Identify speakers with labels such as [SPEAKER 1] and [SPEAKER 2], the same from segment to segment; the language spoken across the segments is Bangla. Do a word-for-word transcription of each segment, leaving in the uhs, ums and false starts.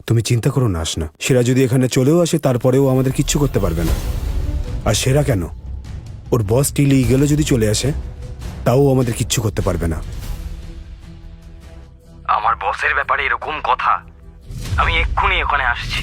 [SPEAKER 1] তুমি চিন্তা করো না আশনা, সেরা যদি এখানে চলেও আসে তারপরেও আমাদের কিচ্ছু করতে পারবে না। আর সেরা কেন, ওর বস টিলি গেলে যদি চলে আসে তাও আমাদের কিচ্ছু করতে পারবে না।
[SPEAKER 2] আমার বসের ব্যাপারে এরকম কথা, আমি এক্ষুনি ওখানে আসছি।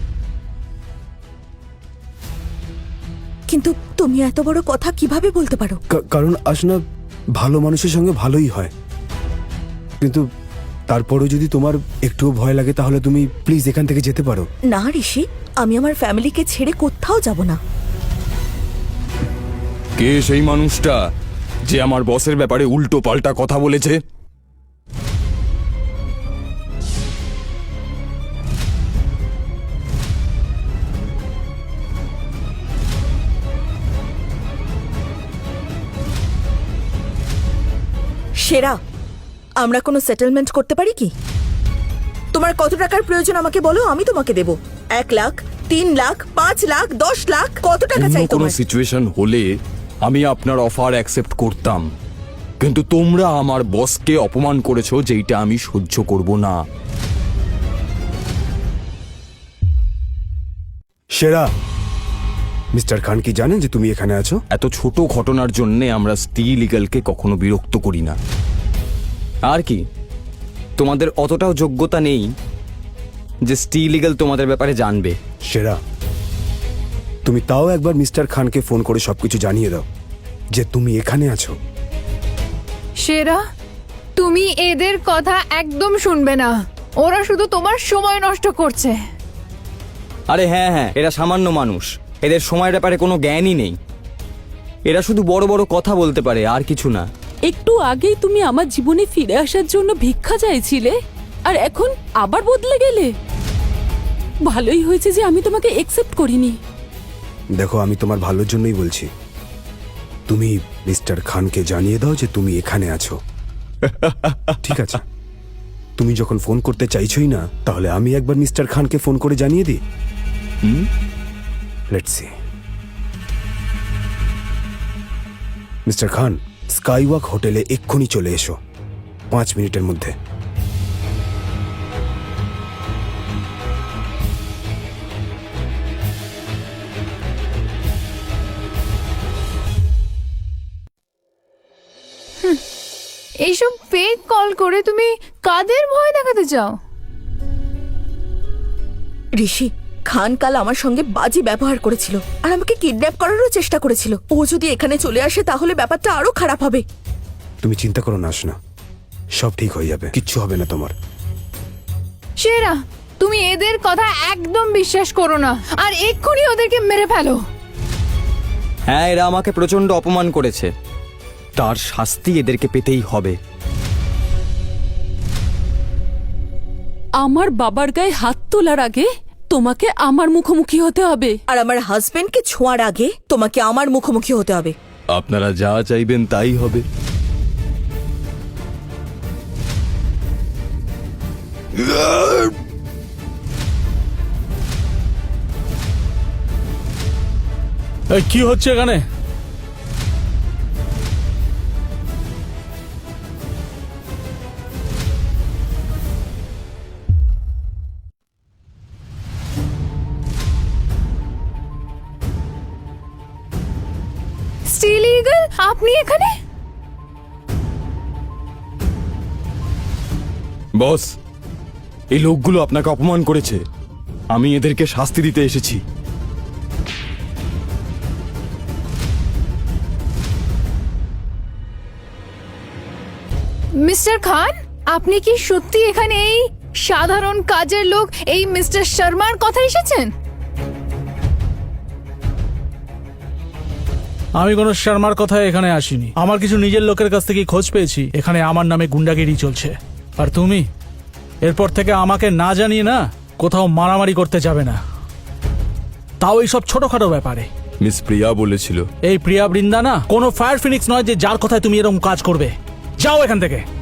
[SPEAKER 3] কিন্তু তুমি এত বড় কথা কিভাবে বলতে পারো?
[SPEAKER 1] কা- কারণ আশনা, ভালো মানুষের সঙ্গে ভালোই হয়, কিন্তু তারপরেও যদি তোমার একটুও ভয় লাগে তাহলে তুমি প্লিজ এখান থেকে যেতে পারো।
[SPEAKER 3] না ঋষি, আমি আমার ফ্যামিলিকে ছেড়ে কোথাও যাব না।
[SPEAKER 4] কে সেই মানুষটা যে আমার বসের ব্যাপারে উল্টো পাল্টা কথা বলেছে?
[SPEAKER 3] সেরা, আমরা কোনো সেটেলমেন্ট করতে পারি কি? তোমার কত টাকার প্রয়োজন আমাকে বলো, আমি তোমাকে দেব। এক লাখ, তিন লাখ, পাঁচ লাখ, দশ লাখ, কত টাকা
[SPEAKER 4] অন্য
[SPEAKER 3] চাই
[SPEAKER 4] কোনো
[SPEAKER 3] তোমার?
[SPEAKER 4] সিচুয়েশন হলে আমি আপনার অফার অ্যাকসেপ্ট করতাম, কিন্তু তোমরা আমার বসকে অপমান করেছো, যেইটা আমি সহ্য করব না।
[SPEAKER 1] সেরা, মিস্টার খান কি জানেন যে তুমি এখানে আছো?
[SPEAKER 4] এত ছোট ঘটনার জন্য আমরা স্টিল ইগলকে কখনো বিরক্ত করি না। আর কি, তোমাদের অতটাও যোগ্যতা নেই যে স্টিল ইগল তোমাদের ব্যাপারে জানবে।
[SPEAKER 1] সেরা, তুমি তাও একবার মিস্টার খানকে ফোন করে সবকিছু জানিয়ে দাও যে তুমি এখানে আছো।
[SPEAKER 5] সেরা, তুমি এদের কথা একদম শুনবে না, ওরা শুধু তোমার সময় নষ্ট করছে।
[SPEAKER 2] আরে হ্যাঁ হ্যাঁ, এরা সামান্য মানুষ, এদের সময়ের ব্যাপারে কোনো জ্ঞানই নেই। এরা শুধু বড় বড় কথা বলতে পারে, আর কিছু না।
[SPEAKER 6] একটু আগেই তুমি আমার জীবনে ফিরে আসার জন্য ভিক্ষা চাইছিলে, আর এখন আবার বদলে গেলে। ভালোই হয়েছে যে আমি তোমাকে একসেপ্ট করিনি।
[SPEAKER 1] দেখো, আমি তোমার ভালোর জন্যই বলছি, তুমি মিস্টার খানকে জানিয়ে দাও যে তুমি এখানে আছো। ঠিক আছে, তুমি যখন ফোন করতে চাইছোই না, তাহলে আমি একবার মিস্টার খানকে ফোন করে জানিয়ে দিই। Let's see. Mister Khan, Skywalk হোটেলে এক্ষুনি চলে এসো, পাঁচ মিনিটের মধ্যে।
[SPEAKER 5] এইসব ফেক কল করে তুমি কাদের ভয় দেখাতে চাও?
[SPEAKER 3] ঋষি, খান কাল আমার সঙ্গে বাজে ব্যবহার করেছিল আর আমাকে কিডন্যাপ করারও চেষ্টা করেছিল। ও যদি এখানে চলে আসে তাহলে ব্যাপারটা আরো খারাপ হবে।
[SPEAKER 1] তুমি চিন্তা করো না আশনা, সব ঠিক হয়ে যাবে, কিচ্ছু হবে না তোমার।
[SPEAKER 5] সেরা, তুমি এদের কথা একদম বিশ্বাস করো না, আর এক্ষুনি ওদেরকে মেরে ফেলো।
[SPEAKER 2] হ্যাঁ, এরা আমাকে প্রচন্ড অপমান করেছে, তার শাস্তি এদেরকে পেতেই হবে।
[SPEAKER 6] আমার বাবার গায়ে হাত তোলার আগে তোমাকে আমার মুখোমুখি হতে হবে।
[SPEAKER 3] আর আমার হাজবেন্ডকে ছোঁয়ার আগে তোমাকে আমার মুখোমুখি হতে হবে।
[SPEAKER 4] আপনারা যা চাইবেন তাই হবে।
[SPEAKER 7] কি হচ্ছে এখানে?
[SPEAKER 5] স্টিল ইগল, আপনি এখানে?
[SPEAKER 4] বস, এই লোকগুলো আপনাকে অপমান করেছে, আমি এদেরকে শাস্তি দিতে এসেছি।
[SPEAKER 5] মিস্টার খান, আপনি কি সত্যি এখানে এই সাধারণ কাজের লোক এই মিস্টার শর্মার কথা এসেছেন?
[SPEAKER 7] আমি কোনো শর্মার কথায় এখানে আসিনি। আমার কিছু নিজের লোকের কাছ থেকে খোঁজ পেয়েছি এখানে আমার নামে গুন্ডাগিরি চলছে। আর তুমি এরপর থেকে আমাকে না জানিয়ে না কোথাও মারামারি করতে যাবে না, তাও এইসব ছোটখাটো ব্যাপারে।
[SPEAKER 4] মিস প্রিয়া বলেছিল।
[SPEAKER 7] এই প্রিয়া বৃন্দা না কোনো ফায়ার ফিনিক্স নয় যে যার কথায় তুমি এরকম কাজ করবে। যাও এখান থেকে।